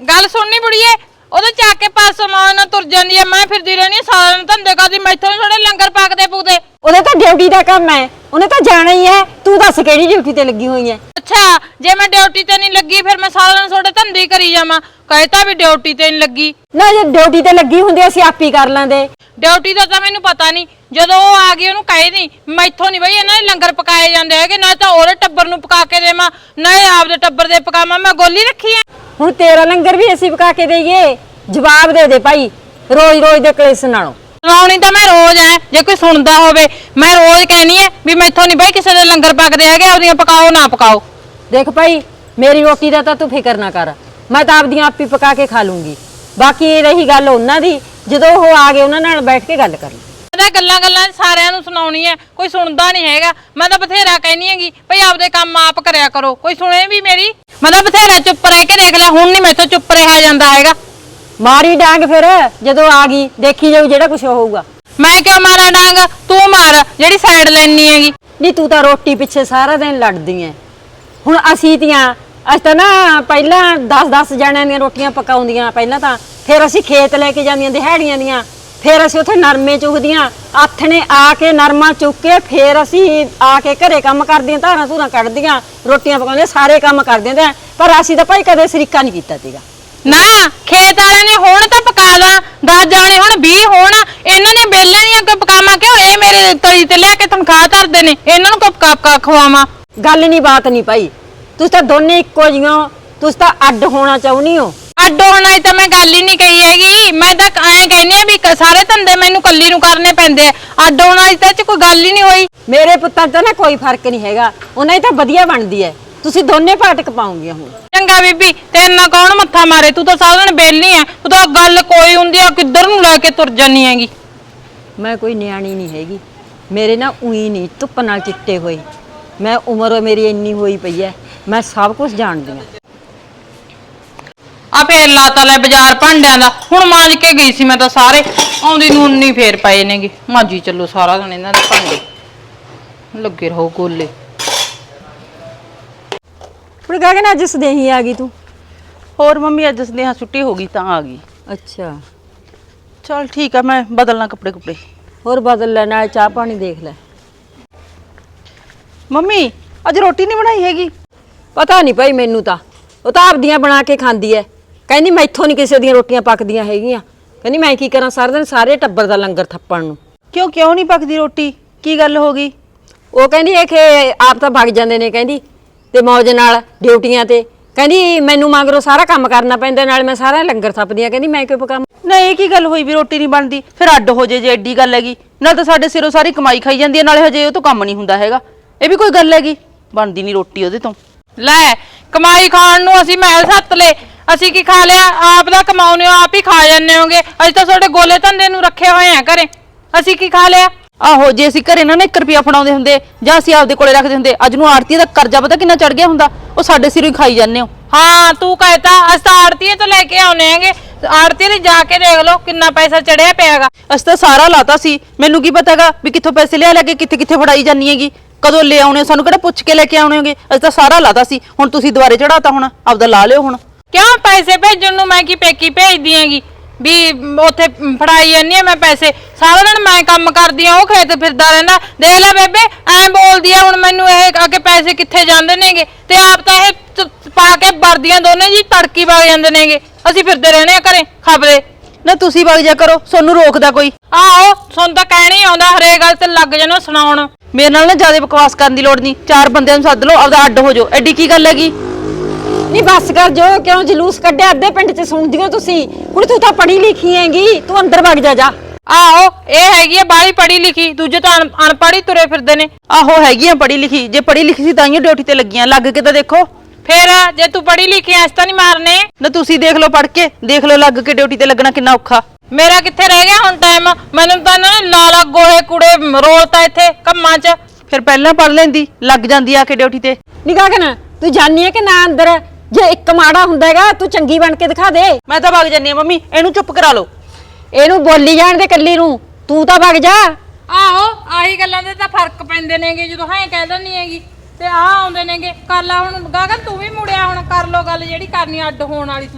ਗੱਲ ਸੁਣਨੀ ਬੁੜੀਏ, ਉਹਦੇ ਚੱਕ ਕੇ ਪਾਸੋਂ ਮਾਂ ਨਾਲ ਤੁਰ ਜਾਂਦੀ ਐ। ਮੈਂ ਫਿਰਦੀ ਰਹਿਣੀ ਸਾਰਾ ਦਿਨ ਧੰਦੇ ਕਰਦੀ, ਮੈਥੋਂ ਨੀ ਥੋੜੇ ਲੰਗਰ ਪਾਕਦੇ ਪੂਦੇ। ਉਹਦਾ ਤਾਂ ਡਿਊਟੀ ਦਾ ਕੰਮ ਹੈ, ਉਹਨੇ ਤਾਂ ਜਾਣਾ ਹੀ ਹੈ। ਤੂੰ ਦੱਸ ਕਿਹੜੀ ਡਿਊਟੀ ਤੇ ਲੱਗੀ ਹੋਈ ਹੈ? ਅੱਛਾ, ਜੇ ਮੈਂ ਡਿਊਟੀ ਤੇ ਨਹੀਂ ਲੱਗੀ ਫਿਰ ਮੈਂ ਸਾਰਾ ਦਿਨ ਤੁਹਾਡੇ ਧੰਦੇ ਹੀ ਕਰੀ ਜਾਵਾਂ। ਕਹਿਤਾ ਵੀ ਡਿਊਟੀ ਤੇ ਨਹੀਂ ਲੱਗੀ। ਨਾ ਜੇ ਡਿਊਟੀ ਤੇ ਲੱਗੀ ਹੁੰਦੀ ਅਸੀਂ ਆਪ ਹੀ ਕਰ ਲੈਂਦੇ। ਡਿਊਟੀ ਦਾ ਤਾਂ ਮੈਨੂੰ ਪਤਾ ਨਹੀਂ, ਜਦੋਂ ਉਹ ਆ ਗਈ ਉਹਨੂੰ ਕਹੇ ਨਹੀਂ ਮੈਥੋਂ ਨਹੀਂ ਬਈ ਇਹਨਾਂ ਦੇ ਲੰਗਰ ਪਕਾਏ ਜਾਂਦੇ ਹੈਗੇ, ਨਾ ਤਾਂ ਉਹਦੇ ਟੱਬਰ ਨੂੰ ਪਕਾ ਕੇ ਦੇਵਾਂ ਨਾ ਇਹ ਆਪਦੇ ਟੱਬਰ ਦੇ ਪਕਾਵਾਂ। ਮੈਂ ਗੋਲੀ ਰੱਖੀ ਐ। ਹੁਣ ਤੇਰਾ ਲੰਗਰ ਵੀ ਅਸੀਂ ਪਕਾ ਕੇ ਦੇਈਏ? ਜਵਾਬ ਦੇ ਦੇ ਭਾਈ, ਰੋਜ਼ ਰੋਜ਼ ਦੇ ਕਲੇਸ਼ ਨਾਲੋਂ। ਸੁਣਾਉਣੀ ਤਾਂ ਮੈਂ ਰੋਜ਼ ਐ, ਜੇ ਕੋਈ ਸੁਣਦਾ ਹੋਵੇ ਮੈਂ ਰੋਜ਼ ਕਹਿਣੀ ਐ ਵੀ ਮੈਥੋਂ ਨਹੀਂ ਬਈ ਕਿਸੇ ਦੇ ਲੰਗਰ ਪਕਦੇ ਹੈਗੇ, ਆਪਦੀਆਂ ਪਕਾਓ ਨਾ ਪਕਾਓ। ਦੇਖ ਭਾਈ, ਮੇਰੀ ਰੋਟੀ ਦਾ ਤਾਂ ਤੂੰ ਫਿਕਰ ਨਾ ਕਰ, ਮੈਂ ਤਾਂ ਆਪਦੀਆਂ ਆਪ ਹੀ ਪਕਾ ਕੇ ਖਾ ਲੂੰਗੀ। ਬਾਕੀ ਰਹੀ ਗੱਲ ਉਹਨਾਂ ਦੀ, ਜਦੋਂ ਉਹ ਆ ਗਏ ਉਹਨਾਂ ਨਾਲ ਬੈਠ ਕੇ ਗੱਲ ਕਰ ਲਈ। ਮੈਂ ਗੱਲਾਂ ਸਾਰਿਆਂ ਨੂੰ ਸੁਣਾਉਣੀ ਐ, ਕੋਈ ਸੁਣਦਾ ਨਹੀਂ ਹੈਗਾ। ਮੈਂ ਤਾਂ ਬਥੇਰਾ ਕਹਿਨੀ ਹੈਗੀ ਭਈ ਆਪਦੇ ਕੰਮ ਆਪ ਕਰਿਆ ਕਰੋ, ਕੋਈ ਸੁਣੇ ਵੀ ਮੇਰੀ। ਮੈਂ ਤਾਂ ਬਥੇਰਾ ਚੁੱਪ ਰਹਿ ਕੇ ਦੇਖ ਲਿਆ, ਹੁਣ ਨਹੀਂ ਮੈਥੋਂ ਚੁੱਪ ਰਿਹਾ ਜਾਂਦਾ ਹੈਗਾ। ਮਾਰੀ ਡਾਂਗ ਫਿਰ, ਜਦੋਂ ਆ ਗਈ ਦੇਖੀ ਜਾਊ ਜਿਹੜਾ ਕੁਝ ਹੋਊਗਾ। ਮੈਂ ਕਿਉਂ ਮਾਰਾਂ ਡਾਂਗ? ਤੂੰ ਮਾਰ ਜਿਹੜੀ ਸਾਈਡ ਲੈਣੀ ਹੈਗੀ। ਨਹੀਂ ਤੂੰ ਤਾਂ ਰੋਟੀ ਪਿੱਛੇ ਸਾਰਾ ਦਿਨ ਲੜਦੀ ਐ। ਹੁਣ ਅਸੀਂ ਤਾਂ ਨਾ ਪਹਿਲਾਂ 10-10 ਜਣਿਆਂ ਦੀਆਂ ਰੋਟੀਆਂ ਪਕਾਉਂਦੀਆਂ ਪਹਿਲਾਂ ਤਾਂ, ਫਿਰ ਅਸੀਂ ਖੇਤ ਲੈ ਕੇ ਜਾਂਦੀਆਂ ਦਿਹਾੜੀਆਂ ਦੀਆਂ, ਫਿਰ ਅਸੀਂ ਉੱਥੇ ਨਰਮੇ ਚੁਗਦੀਆਂ, ਆਥਣੇ ਆ ਕੇ ਨਰਮਾ ਚੁੱਕ ਕੇ ਫਿਰ ਅਸੀਂ ਆ ਕੇ ਘਰੇ ਕੰਮ ਕਰਦੀਆਂ, ਧਾਰਾਂ ਧੂਰਾਂ ਕੱਢਦੀਆਂ, ਰੋਟੀਆਂ ਪਕਾਉਂਦੀਆਂ, ਸਾਰੇ ਕੰਮ ਕਰਦੀਆਂ ਤੇ। ਪਰ ਅਸੀਂ ਤਾਂ ਭਾਈ ਕਦੇ ਸ਼ਰੀਕਾ ਨਹੀਂ ਕੀਤਾ ਸੀਗਾ। ਨਾ ਖੇਤ ਵਾਲਿਆਂ ਨੇ ਹੁਣ ਤਾਂ ਪਕਾ ਲਾ, 10 ਜਾਣੇ ਹੁਣ 20 ਹੋਣ, ਇਹਨਾਂ ਨੇ ਬੇਲੇ ਦੀਆਂ ਅੱਗੇ ਪਕਾਵਾਂ ਕਿਉਂ? ਇਹ ਮੇਰੇ ਤਲੀ ਤੇ ਲਿਆ ਕੇ ਤਨਖਾਹ ਧਰਦੇ ਨੇ, ਇਹਨਾਂ ਨੂੰ ਪਕਾ ਖਵਾਵਾਂ। ਗੱਲ ਨਹੀਂ ਬਾਤ ਨਹੀਂ ਭਾਈ, ਤੁਸੀਂ ਤਾਂ ਦੋਨੇ ਇੱਕੋ ਜਿਹੀਆਂ, ਤੁਸੀਂ ਤਾਂ ਅੱਡ ਹੋਣਾ ਚਾਹੁੰਦੀ ਹੋ। ਅੱਡ ਹੋਣਾ ਹੀ ਤਾਂ ਮੈਂ ਗੱਲ ਹੀ ਨਹੀਂ ਕਹੀ ਹੈਗੀ। ਮੈਂ ਤਾਂ ਐਂ ਕਹਿੰਦੀ ਆ ਵੀ ਸਾਰੇ ਧੰਦੇ ਮੈਨੂੰ ਕੱਲੀ ਨੂੰ ਕਰਨੇ ਪੈਂਦੇ ਆ। ਅੱਡ ਹੋਣਾ ਹੀ ਤਾਂ ਇਹ 'ਚ ਕੋਈ ਗੱਲ ਹੀ ਨਹੀਂ ਹੋਈ। ਮੇਰੇ ਪੁੱਤਾਂ 'ਚ ਨਾ ਕੋਈ ਫਰਕ ਨਹੀਂ ਹੈਗਾ, ਉਹਨਾਂ ਦੀ ਤਾਂ ਵਧੀਆ ਬਣਦੀ ਹੈ। ਤੁਸੀਂ ਦੋਨੇ ਪਾਟਕ ਪਾਉਂਗੀਆਂ ਹੁਣ। ਚੰਗਾ ਬੀਬੀ, ਤੇਰੇ ਨਾਲ ਕੌਣ ਮੱਥਾ ਮਾਰੇ? ਤੂੰ ਤਾਂ ਸਾਰਾ ਦਿਨ ਬੇਲੀ ਐ, ਤੂੰ ਤਾਂ ਗੱਲ ਕੋਈ ਹੁੰਦੀ ਆ ਕਿੱਧਰ ਨੂੰ ਲੈ ਕੇ ਤੁਰ ਜਾਨੀ ਹੈਗੀ। ਮੈਂ ਕੋਈ ਨਿਆਣੀ ਨਹੀਂ ਹੈਗੀ, ਮੇਰੇ ਨਾ ਉਹੀ ਨਹੀਂ ਧੁੱਪ ਨਾਲ ਚਿੱਟੇ ਹੋਏ। ਮੈਂ ਉਮਰ ਮੇਰੀ ਇੰਨੀ ਹੋਈ ਪਈ ਹੈ, ਮੈਂ ਸਭ ਕੁਝ ਜਾਣਦੀ ਹਾਂ। ਆ ਫੇਰ ਲਾਤਾ ਲੈ ਬਾਜ਼ਾਰ ਭਾਂਡਿਆਂ ਦਾ। ਹੁਣ ਮਾਂਜ ਕੇ ਗਈ ਸੀ ਮੈਂ ਤਾਂ ਸਾਰੇ, ਆਉਂਦੀ ਨੂੰ ਉਨੀ ਫੇਰ ਪਏ ਨੇਗੇ। ਮਾਂਜੀ ਚੱਲੋ ਸਾਰਾ ਦਿਨ ਇਹਨਾਂ ਦੇ ਭਾਂਡੇ, ਲੱਗੇ ਰਹੋ ਗੋਲੇ। ਹੁਣ ਗਗਨ ਅੱਜ ਸਦੇਹੀ ਆ ਗਈ ਤੂੰ? ਹੋਰ ਮੰਮੀ ਅੱਜ ਸਨੇਹਾ ਛੁੱਟੀ ਹੋ ਗਈ ਤਾਂ ਆ ਗਈ। ਅੱਛਾ ਚਲ ਠੀਕ ਆ, ਮੈਂ ਬਦਲਣਾ ਕੱਪੜੇ ਕੁਪੜੇ। ਹੋਰ ਬਦਲ ਲੈ, ਨਾਲ ਚਾਹ ਪਾਣੀ ਦੇਖ ਲੈ। ਮੰਮੀ ਅੱਜ ਰੋਟੀ ਨਹੀਂ ਬਣਾਈ ਹੈਗੀ? ਪਤਾ ਨਹੀਂ ਭਾਈ ਮੈਨੂੰ ਤਾਂ, ਉਹ ਤਾਂ ਆਪਦੀਆਂ ਬਣਾ ਕੇ ਖਾਂਦੀ ਐ। ਕਹਿੰਦੀ ਮੈਥੋਂ ਨਹੀਂ ਕਿਸੇ ਦੀਆਂ ਰੋਟੀਆਂ ਪੱਕਦੀਆਂ ਹੈਗੀਆਂ। ਕਹਿੰਦੀ ਮੈਂ ਕੀ ਕਰਾਂ ਸਾਰਾ ਦਿਨ ਸਾਰੇ ਟੱਬਰ ਦਾ ਲੰਗਰ ਥੱਪਣ ਨੂੰ। ਕਿਉਂ ਨਹੀਂ ਪੱਕਦੀ ਰੋਟੀ? ਕੀ ਗੱਲ ਹੋ ਗਈ? ਉਹ ਕਹਿੰਦੀ ਇਹ ਕਿ ਆਪ ਤਾਂ ਭੱਗ ਜਾਂਦੇ ਨੇ, ਕਹਿੰਦੀ ਤੇ ਮੌਜ ਨਾਲ ਡਿਊਟੀਆਂ ਤੇ। ਕਹਿੰਦੀ ਮੈਨੂੰ ਮਗਰੋਂ ਸਾਰਾ ਕੰਮ ਕਰਨਾ ਪੈਂਦਾ, ਨਾਲ ਮੈਂ ਸਾਰਾ ਲੰਗਰ ਥੱਪਦੀ ਆ। ਕਹਿੰਦੀ ਮੈਂ ਕਿਉਂ ਪਕਾਵਾਂ? ਨਾ ਇਹ ਕੀ ਗੱਲ ਹੋਈ ਵੀ ਰੋਟੀ ਨਹੀਂ ਬਣਦੀ? ਫਿਰ ਅੱਡ ਹੋ ਜੇ ਜੇ ਐਡੀ ਗੱਲ ਹੈਗੀ। ਨਾਲ ਤਾਂ ਸਾਡੇ ਸਿਰੋਂ ਸਾਰੀ ਕਮਾਈ ਖਾਈ ਜਾਂਦੀ ਹੈ, ਨਾਲੇ ਹਜੇ ਉਹ ਤੋਂ ਕੰਮ ਨਹੀਂ ਹੁੰਦਾ ਹੈਗਾ। ਇਹ ਵੀ ਕੋਈ ਗੱਲ ਹੈਗੀ? ਬਣਦੀ ਨਹੀਂ ਰੋਟੀ ਉਹਦੇ ਤੋਂ। ਲੈ ਕਮਾਈ ਖਾਣ ਨੂੰ ਅਸੀਂ ਮਹਿਲ ਸੱਤ ਲੈ, ਅਸੀਂ ਕੀ ਖਾ ਲਿਆ? ਆਪ ਦਾ ਕਮਾਉਨੇ ਹੋ, ਆਪ ਹੀ ਖਾ ਜਾਂਦੇ ਹੋਗੇ। ਅਸੀਂ ਤਾਂ ਤੁਹਾਡੇ ਗੋਲੇ ਧੰਦੇ ਨੂੰ ਰੱਖੇ ਹੋਏ ਆ ਘਰੇ, ਅਸੀਂ ਕੀ ਖਾ ਲਿਆ? ਆਹੋ, ਜੇ ਅਸੀਂ ਘਰੇ ਨਾ 1 ਰੁਪਿਆ ਫੜਾਉਂਦੇ ਹੁੰਦੇ ਜਾਂ ਅਸੀਂ ਆਪਦੇ ਕੋਲੇ ਰੱਖਦੇ ਹੁੰਦੇ, ਅੱਜ ਨੂੰ ਆੜਤੀ ਦਾ ਕਰਜ਼ਾ ਪਤਾ ਕਿੰਨਾ ਚੜ ਗਿਆ ਹੁੰਦਾ। ਉਹ ਸਾਡੇ ਸਿਰੋਂ ਹੀ ਖਾਈ ਜਾਂਦੇ ਹੋ। ਹਾਂ ਤੂੰ ਕਹਿਤਾ, ਅਸੀਂ ਤਾਂ ਆੜਤੀਏ ਤੋਂ ਲੈ ਕੇ ਆਉਨੇ ਹੈਗੇ। ਆੜਤੀ ਦੇ ਜਾ ਕੇ ਦੇਖ ਲਓ ਕਿੰਨਾ ਪੈਸਾ ਚੜਿਆ ਪਿਆਗਾ। ਅਸੀਂ ਤਾਂ ਸਾਰਾ ਲਾਤਾ ਸੀ, ਮੈਨੂੰ ਕੀ ਪਤਾਗਾ ਵੀ ਕਿੱਥੋਂ ਪੈਸੇ ਲਿਆ ਲੈ ਕੇ ਕਿੱਥੇ ਫੜਾਈ ਜਾਨੀ ਹੈਗੀ। ਕਦੋਂ ਲੈ ਆਉਣੇ? ਸਾਨੂੰ ਕਿਹੜਾ ਪੁੱਛ ਕੇ ਲੈ ਕੇ ਆਉਣੇ ਹੋਗੇ? ਅਸੀਂ ਤਾਂ ਸਾਰਾ ਲਾਤਾ ਸੀ, ਹੁਣ ਤੁਸੀਂ ਦੁਬਾਰੇ ਚੜਾਤਾ, ਹੁਣ ਆਪਦਾ ਲਾ ਲਿਓ। ਹੁਣ ਕਿਉਂ ਪੈਸੇ ਭੇਜਣ ਨੂੰ ਮੈਂ ਕੀ ਪੇਕੀ ਭੇਜਦੀ ਹੈਗੀ ਵੀ ਉੱਥੇ ਫੜਾਈ ਜਾਂਦੀ ਆ ਮੈਂ ਪੈਸੇ? ਸਾਰਾ ਦਿਨ ਮੈਂ ਕੰਮ ਕਰਦੀ ਆ, ਉਹ ਖੇਤ ਫਿਰਦਾ ਰਹਿੰਦਾ। ਦੇਖ ਲੈ ਬੇਬੇ ਐਂ ਬੋਲਦੀ ਆ ਹੁਣ ਮੈਨੂੰ, ਇਹ ਆ ਕੇ ਪੈਸੇ ਕਿੱਥੇ ਜਾਂਦੇ ਨੇਗੇ? ਤੇ ਆਪ ਤਾਂ ਇਹ ਪਾ ਕੇ ਵਰਦੀਆਂ ਦੋਨੇ ਜੀ ਤੜਕੀ ਵਗ ਜਾਂਦੇ ਨੇਗੇ। ਅਸੀਂ ਫਿਰਦੇ ਰਹਿੰਦੇ ਆ ਘਰੇ ਖਬਰੇ। ਨਾ ਤੁਸੀਂ ਵਗ ਜਾ ਕਰੋ, ਤੁਹਾਨੂੰ ਰੋਕਦਾ ਕੋਈ? ਆਹੋ ਸੁਣ ਤਾਂ ਕਹਿਣੀ ਆਉਂਦਾ, ਹਰੇਕ ਗੱਲ ਤੇ ਲੱਗ ਜਾਣਾ ਸੁਣਾਉਣ। ਮੇਰੇ ਨਾਲ ਨਾ ਜ਼ਿਆਦਾ ਬਕਵਾਸ ਕਰਨ ਦੀ ਲੋੜ ਨਹੀਂ। 4 ਬੰਦਿਆਂ ਨੂੰ ਸੱਦ ਲਓ, ਆਪਦਾ ਅੱਡ ਹੋ ਜਾਓ। ਐਡੀ ਕੀ ਗੱਲ ਹੈਗੀ? ਨਹੀਂ ਬੱਸ ਕਰ ਜੋ, ਕਿਉਂ ਜਲੂਸ ਕੱਢਿਆ? ਅੱਧੇ ਪਿੰਡ 'ਚ ਸੁਣਦੀ ਹੋ ਤੁਸੀਂ। ਹੁਣ ਤੂੰ ਤਾਂ ਪੜ੍ਹੀ ਲਿਖੀ ਹੈਗੀ, ਤੂੰ ਅੰਦਰ ਵਗ ਜਾ। ਆਹੋ ਇਹ ਹੈਗੀ ਆ ਬਾਹਲੀ ਪੜ੍ਹੀ ਲਿਖੀ, ਦੂਜੇ ਤਾਂ ਅਨਪੜ੍ਹ ਹੀ ਤੁਰੇ ਫਿਰਦੇ ਨੇ। ਆਹੋ ਹੈਗੀਆਂ ਪੜ੍ਹੀ ਲਿਖੀ, ਜੇ ਪੜ੍ਹੀ ਲਿਖੀ ਸੀ ਤਾਂ ਹੀ ਡਿਊਟੀ ਤੇ ਲੱਗੀਆਂ। ਲੱਗ ਕੇ ਤਾਂ ਦੇਖੋ ਫੇਰ, ਜੇ ਤੂੰ ਪੜ੍ਹੀ ਲਿਖੀ ਐਸ ਤਾਂ ਨਹੀਂ ਮਾਰਨੇ। ਨਾ ਤੁਸੀਂ ਦੇਖ ਲਓ, ਪੜ੍ਹ ਕੇ ਦੇਖ ਲਓ, ਲੱਗ ਕੇ ਡਿਊਟੀ ਤੇ ਲੱਗਣਾ ਕਿੰਨਾ ਔਖਾ। ਮੇਰਾ ਕਿੱਥੇ ਰਹਿ ਗਿਆ ਹੁਣ ਟਾਈਮ? ਮੈਨੂੰ ਤਾਂ ਇਹਨਾਂ ਨੇ ਲਾਲਾ ਗੋਹੇ ਕੂੜੇ ਰੋਲਤਾ ਇੱਥੇ ਕੰਮਾਂ 'ਚ। ਫਿਰ ਪਹਿਲਾਂ ਪੜ੍ਹ ਲੈਂਦੀ, ਲੱਗ ਜਾਂਦੀ ਆ ਕੇ ਡਿਊਟੀ ਤੇ। ਨਿਗਾਹ ਕਰ, ਤੂੰ ਜਾਣੀ ਹੈ ਕਿ ਨਾ ਅੰਦਰ? ਜੇ ਇੱਕ ਮਾੜਾ ਹੁੰਦਾ ਹੈਗਾ ਤੂੰ ਚੰਗੀ ਬਣ ਕੇ ਦਿਖਾ ਦੇ। ਮੈਂ ਤਾਂ ਵਗ ਜਾਂਦੀ ਆ ਮੰਮੀ, ਇਹਨੂੰ ਚੁੱਪ ਕਰਾ ਲਓ। ਇਹਨੂੰ ਬੋਲੀ ਜਾਣ ਦੇ ਕੱਲੀ ਨੂੰ, ਤੂੰ ਤਾਂ ਵਗ ਜਾ। ਆਹੋ ਆਹੀ ਗੱਲਾਂ ਦੇ ਤਾਂ ਫਰਕ ਪੈਂਦੇ ਨੇਗੇ, ਜਦੋਂ ਹਾਂ ਕਹਿ ਦਿੰਦੀ ਹੈਗੀ ਤੇ ਆਹ ਆਉਂਦੇ ਨੇਗੇ। ਕਰ ਲਾ ਹੁਣ ਗਗਨ, ਤੂੰ ਵੀ ਮੁੜਿਆ, ਹੁਣ ਕਰ ਲੋ ਗੱਲ ਜਿਹੜੀ ਕਰਨੀ ਅੱਡ ਹੋਣ ਵਾਲੀ ਤੁਸੀਂ।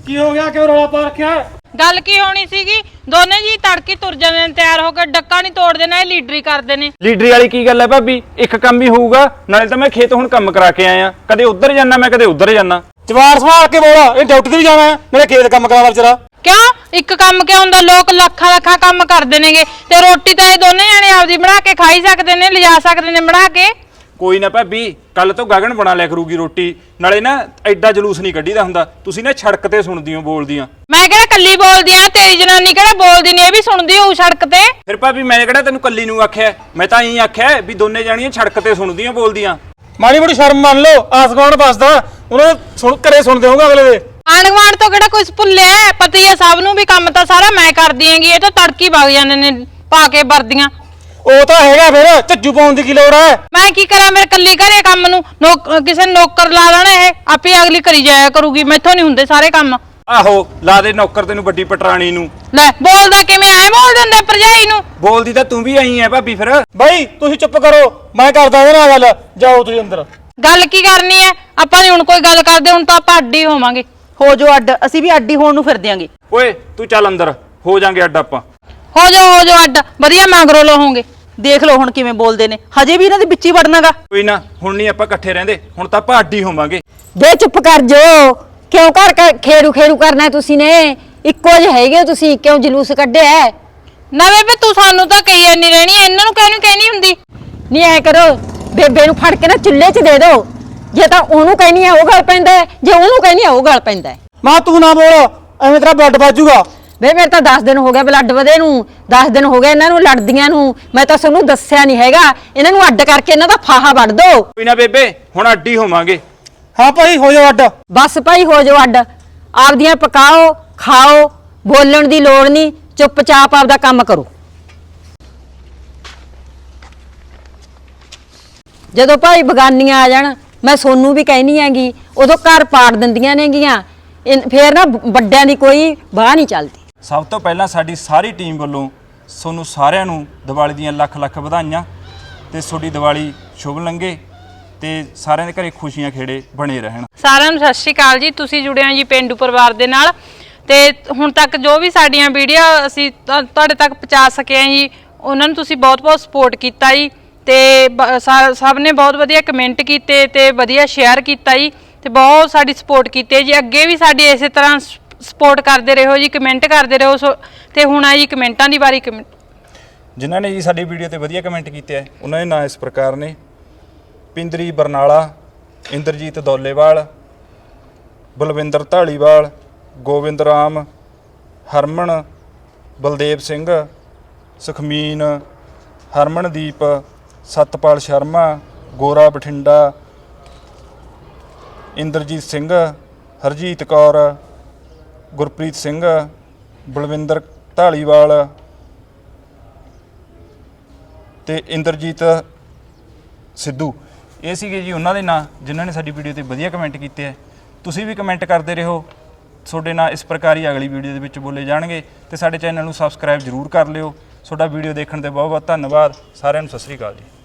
ਕੀ ਹੋ ਗਿਆ, ਕਿਉਂ ਰੌਲਾ ਪਾ ਰੱਖਿਆ? ਗੱਲ ਕੀ ਹੋਣੀ ਸੀਗੀ, ਦੋਨੇ ਜੀ ਤੜਕੀ ਤੁਰ ਜਾਂਦੇ ਨੇ ਤਿਆਰ ਹੋ ਕੇ, ਡੱਕਾ ਨਹੀਂ ਤੋੜਦੇ ਨਾ, ਇਹ ਲੀਡਰੀ ਕਰਦੇ ਨੇ। ਲੀਡਰੀ ਵਾਲੀ ਕੀ ਗੱਲ ਹੈ ਭਾਬੀ, ਇੱਕ ਕੰਮ ਹੀ ਹੋਊਗਾ। ਨਾਲੇ ਤਾਂ ਮੈਂ ਖੇਤ ਹੁਣ ਕੰਮ ਕਰਾ ਕੇ ਆਇਆ, ਕਦੇ ਉੱਧਰ ਜਾਣਾ ਮੈਂ, ਕਦੇ ਉੱਧਰ ਜਾਣਾ। ਜਵਾਰ ਸੰਭਾਲ ਕੇ ਬੋਲ, ਇਹ ਡਿਊਟੀ ਤੇ ਵੀ ਜਾਣਾ ਹੈ, ਨਾਲੇ ਖੇਤ ਕੰਮ ਕਰਾਵਾ ਵਿਚਾਰਾ। ਕਿਉਂ ਇੱਕ ਕੰਮ ਕਿਉਂ ਹੁੰਦਾ, ਲੋਕ ਲੱਖਾਂ ਕੰਮ ਕਰਦੇ ਨੇਗੇ, ਤੇ ਰੋਟੀ ਤਾਂ ਇਹ ਦੋਨੇ ਜਾਣੇ ਆਪਦੀ ਬਣਾ ਕੇ ਖਾਈ ਸਕਦੇ ਨੇ, ਲਿਜਾ ਸਕਦੇ ਨੇ ਬਣਾ ਕੇ। ਕੋਈ ਨਾ ਭਾਬੀ, ਕੱਲ ਤੋਂ ਗਗਨ ਬਣਾ ਲਿਆ ਕਰੂਗੀ ਰੋਟੀ। ਨਾਲੇ ਨਾ ਐਡਾ ਜਲੂਸ ਨਹੀਂ ਕੱਢੀਦਾ ਹੁੰਦਾ, ਤੁਸੀਂ ਨਾ ਸੜਕ ਤੇ ਸੁਣਦੀ ਹੋ ਬੋਲਦੀਆਂ। ਮੈਂ ਕਿਹੜਾ ਕੱਲੀ ਬੋਲਦੀ ਆ, ਤੇਰੀ ਜਨਾਨੀ ਕਿਹੜਾ ਬੋਲਦੀ ਨੇ, ਇਹ ਵੀ ਸੁਣਦੀ ਹੋਊ ਸੜਕ ਤੇ। ਫਿਰ ਭਾਬੀ ਮੈਂ ਕਿਹੜਾ ਤੈਨੂੰ ਕੱਲੀ ਨੂੰ ਆਖਿਆ, ਮੈਂ ਤਾਂ ਇਹੀ ਆਖਿਆ ਵੀ ਦੋਨੇ ਜਾਣੀਆਂ ਸੜਕ ਤੇ ਸੁਣਦੀਆਂ ਬੋਲਦੀਆਂ। ਮਾੜੀ ਮੋਟੀ ਸ਼ਰਮ ਮੰਨ ਲਓ, ਆਸ ਗਵਾਂਢ ਬਸਦਾ ਉਹਨਾਂ ਸੁਣ ਘਰੇ ਸੁਣਦੇ ਹੋਗੇ ਅਗਲੇ ਦੇ। ਆਂਢ ਗੁਆਂਢ ਤੋਂ ਕਿਹੜਾ ਕੁਝ ਭੁੱਲਿਆ, ਪਤਾ ਹੀ ਆ ਸਭ ਨੂੰ ਵੀ ਕੰਮ ਤਾਂ ਸਾਰਾ ਮੈਂ ਕਰਦੀ ਆਂਗੀ, ਇਹ ਤਾਂ ਤੜਕੀ ਵਗ ਜਾਂਦੇ ਨੇ ਪਾ ਕੇ ਵਰਦੀਆਂ। ਉਹ ਤਾਂ ਹੈਗਾ, ਫਿਰ ਝੱਜੂ ਪਾਉਣ ਦੀ ਕੀ ਲੋੜ ਹੈ? ਮੈਂ ਕੀ ਕਰਾਂ, ਮੇਰੇ ਕੱਲੀ ਘਰੇ ਕੰਮ ਨੂੰ ਕਿਸੇ ਨੌਕਰ ਲਾ ਦੇਣਾ, ਇਹ ਆਪੇ ਅਗਲੀ ਕਰੀ ਜਾਇਆ ਕਰੂਗੀ, ਮੈਥੋਂ ਨਹੀਂ ਹੁੰਦੇ ਸਾਰੇ ਕੰਮ। ਆਹੋ ਲਾ ਦੇ ਨੌਕਰ ਤੈਨੂੰ ਵੱਡੀ ਪਟਰਾਣੀ ਨੂੰ। ਲੈ ਬੋਲਦਾ ਕਿਵੇਂ ਐ ਬੋਲ ਦਿੰਦੇ ਭਰਜਾਈ ਨੂੰ। ਬੋਲਦੀ ਤਾਂ ਤੂੰ ਵੀ ਆਈ ਐ ਭਾਬੀ ਫਿਰ। ਬਾਈ ਤੁਸੀਂ ਚੁੱਪ ਕਰੋ, ਮੈਂ ਕਰਦਾ ਇਹਦੇ ਨਾਲ ਗੱਲ, ਜਾਓ ਤੁਸੀਂ ਅੰਦਰ। ਗੱਲ ਕੀ ਕਰਨੀ ਐ, ਆਪਾਂ ਨਹੀਂ ਹੁਣ ਕੋਈ ਗੱਲ ਕਰਦੇ, ਹੁਣ ਤਾਂ ਆਪਾਂ ਅੱਡੀ ਹੋਵਾਂਗੇ। ਹੋ ਜੋ ਅੱਡ, ਅਸੀਂ ਵੀ ਅੱਡੀ ਹੋਣ ਨੂੰ ਫਿਰਦੇ ਆਂਗੇ। ਓਏ ਤੂੰ ਚੱਲ ਅੰਦਰ, ਹੋ ਜਾਾਂਗੇ ਅੱਡ ਆਪਾਂ। ਹੋ ਜਾਓ ਅੱਡ, ਵਧੀਆ ਮੰਗਰੋ ਲਹੋਗੇ। ਦੇਖ ਲਓ ਹੁਣ ਕਿਵੇਂ ਬੋਲਦੇ ਨੇ, ਹਜੇ ਵੀ ਇਹਨਾਂ ਦੇ ਵਿੱਚ ਹੀ ਵੜਨਾਗਾ। ਕੋਈ ਨਾ, ਹੁਣ ਨਹੀਂ ਆਪਾਂ ਇਕੱਠੇ ਰਹਿੰਦੇ, ਹੁਣ ਤਾਂ ਆਪਾਂ ਅੱਡ ਹੀ ਹੋਵਾਂਗੇ। ਬੇ ਚੁੱਪ ਕਰ ਜੋ, ਕਿਉਂ ਘਰ ਖੇਰੂ ਕਰਨਾ ਤੁਸੀਂ ਨੇ? ਇੱਕੋ ਜਿਹੇ ਹੈਗੇ ਹੋ ਤੁਸੀਂ, ਕਿਉਂ ਜਲੂਸ ਕੱਢਿਆ? ਨਾ ਬੇਬੇ ਤੂੰ ਸਾਨੂੰ ਤਾਂ ਕਹੀ ਨਹੀਂ ਰਹਿਣੀ, ਇਹਨਾਂ ਨੂੰ ਕਿਉਂ ਕਹਿਣੀ ਹੁੰਦੀ? ਨਹੀਂ ਐ ਕਰੋ, ਬੇਬੇ ਨੂੰ ਫੜ ਕੇ ਨਾ ਚੁੱਲ੍ਹੇ 'ਚ ਦੇ ਦਿਓ। ਜੇ ਤਾਂ ਉਹਨੂੰ ਕਹਿਣੀ ਆ ਉਹ ਗੱਲ ਪੈਂਦਾ ਹੈ, ਜੇ ਉਹਨੂੰ ਕਹਿਣੀ ਆ ਉਹ ਗੱਲ ਪੈਂਦਾ ਹੈ। ਮਾਂ ਤੂੰ ਨਾ ਬੋਲ, ਐਵੇਂ ਤੇਰਾ ਬਲੱਡ ਵੱਜੂਗਾ। ਵੇ ਮੇਰੇ ਤਾਂ 10 ਦਿਨ ਹੋ ਗਏ ਬਲੱਡ ਵਧੇ ਨੂੰ, 10 ਦਿਨ ਹੋ ਗਏ ਇਹਨਾਂ ਨੂੰ ਲੜਦੀਆਂ ਨੂੰ। ਮੈਂ ਤਾਂ ਤੁਹਾਨੂੰ ਦੱਸਿਆ ਨਹੀਂ ਹੈਗਾ, ਇਹਨਾਂ ਨੂੰ ਅੱਡ ਕਰਕੇ ਇਹਨਾਂ ਦਾ ਫਾਹਾ ਵੱਢ ਦੋ। ਕੋਈ ਨਾ ਬੇਬੇ, ਹੁਣ ਅੱਡ ਹੀ ਹੋਵਾਂਗੇ। ਹਾਂ ਭਾਈ ਹੋ ਜਾਓ ਅੱਡ। ਬਸ ਭਾਈ ਹੋ ਜਾਓ ਅੱਡ, ਆਪਦੀਆਂ ਪਕਾਓ ਖਾਓ, ਬੋਲਣ ਦੀ ਲੋੜ ਨਹੀਂ, ਚੁੱਪਚਾਪ ਆਪਦਾ ਕੰਮ ਕਰੋ। ਜਦੋਂ ਭਾਈ ਬਗਾਨੀਆਂ ਆ ਜਾਣ, ਮੈਂ ਸੋਨੂੰ ਵੀ ਕਹਿਨੀ ਹੈਗੀ, ਉਦੋਂ ਘਰ ਪਾੜ ਦਿੰਦੀਆਂ ਨੇਗੀਆਂ, ਫੇਰ ਨਾ ਵੱਡਿਆਂ ਦੀ ਕੋਈ ਬਾਹ ਨਹੀਂ ਚੱਲਦੀ। ਸਭ ਤੋਂ ਪਹਿਲਾਂ ਸਾਡੀ ਸਾਰੀ ਟੀਮ ਵੱਲੋਂ ਤੁਹਾਨੂੰ ਸਾਰਿਆਂ ਨੂੰ ਦੀਵਾਲੀ ਦੀਆਂ ਲੱਖ ਵਧਾਈਆਂ, ਤੇ ਤੁਹਾਡੀ ਦੀਵਾਲੀ ਸ਼ੁਭ ਲੰਘੇ ਤੇ ਸਾਰਿਆਂ ਦੇ ਘਰੇ ਖੁਸ਼ੀਆਂ ਖੇੜੇ ਬਣੇ ਰਹਿਣ। ਸਾਰਿਆਂ ਨੂੰ ਸਤਿ ਸ਼੍ਰੀ ਅਕਾਲ ਜੀ, ਤੁਸੀਂ ਜੁੜੇ ਹੋ ਜੀ ਪੇਂਡੂ ਪਰਿਵਾਰ ਦੇ ਨਾਲ, ਤੇ ਹੁਣ ਤੱਕ ਜੋ ਵੀ ਸਾਡੀਆਂ ਵੀਡੀਓ ਅਸੀਂ ਤੁਹਾਡੇ ਤੱਕ ਪਹੁੰਚਾ ਸਕੇ ਹਾਂ ਜੀ, ਉਹਨਾਂ ਨੂੰ ਤੁਸੀਂ ਬਹੁਤ ਸਪੋਰਟ ਕੀਤਾ ਜੀ, ਤੇ ਸਭ ਨੇ ਬਹੁਤ ਵਧੀਆ ਕਮੈਂਟ ਕੀਤੇ ਤੇ ਵਧੀਆ ਸ਼ੇਅਰ ਕੀਤਾ ਜੀ, ਤੇ ਬਹੁਤ ਸਾਡੀ ਸਪੋਰਟ ਕੀਤੀ ਜੀ। ਅੱਗੇ ਵੀ ਸਾਡੀ ਇਸੇ ਤਰ੍ਹਾਂ ਸਪੋਰਟ ਕਰਦੇ ਰਹੋ ਜੀ, ਕਮੈਂਟ ਕਰਦੇ ਰਹੋ। ਤੇ ਹੁਣ ਆ ਜੀ ਕਮੈਂਟਾਂ ਦੀ ਵਾਰੀ। ਜਿਨ੍ਹਾਂ ਨੇ ਜੀ ਸਾਡੀ ਵੀਡੀਓ ਤੇ ਵਧੀਆ ਕਮੈਂਟ ਕੀਤੇ ਆ, ਉਹਨਾਂ ਦੇ ਨਾਂ ਇਸ ਪ੍ਰਕਾਰ ਨੇ: ਪਿੰਦਰੀ ਬਰਨਾਲਾ, ਇੰਦਰਜੀਤ ਦੌਲੇਵਾਲ, ਬਲਵਿੰਦਰ ਢਾਲੀਵਾਲ, ਗੋਬਿੰਦ ਰਾਮ, ਹਰਮਨ, ਬਲਦੇਵ ਸਿੰਘ, ਸੁਖਮੀਨ, ਹਰਮਨਦੀਪ, ਸਤਪਾਲ ਸ਼ਰਮਾ, ਗੋਰਾ ਬਠਿੰਡਾ, ਇੰਦਰਜੀਤ ਸਿੰਘ, ਹਰਜੀਤ ਕੌਰ, ਗੁਰਪ੍ਰੀਤ ਸਿੰਘ, ਬਲਵਿੰਦਰ ਢਾਲੀਵਾਲ ਤੇ ਇੰਦਰਜੀਤ ਸਿੱਧੂ। ਇਹ ਸੀਗੇ ਜੀ ਉਹਨਾਂ ਦੇ ਨਾਂ ਜਿਨ੍ਹਾਂ ਨੇ ਸਾਡੀ ਵੀਡੀਓ ਤੇ ਵਧੀਆ ਕਮੈਂਟ ਕੀਤੇ ਹੈ। ਤੁਸੀਂ ਵੀ ਕਮੈਂਟ ਕਰਦੇ ਰਹੋ, ਤੁਹਾਡੇ ਨਾਂ ਇਸ ਪ੍ਰਕਾਰ ਹੀ ਅਗਲੀ ਵੀਡੀਓ ਦੇ ਵਿੱਚ ਬੋਲੇ ਜਾਣਗੇ। ਤੇ ਸਾਡੇ ਚੈਨਲ ਨੂੰ ਸਬਸਕ੍ਰਾਈਬ ਜ਼ਰੂਰ ਕਰ ਲਿਓ। ਤੁਹਾਡਾ ਵੀਡੀਓ ਦੇਖਣ ਤੇ ਬਹੁਤ ਧੰਨਵਾਦ। ਸਾਰਿਆਂ ਨੂੰ ਸਤਿ ਸ਼੍ਰੀ ਅਕਾਲ ਜੀ।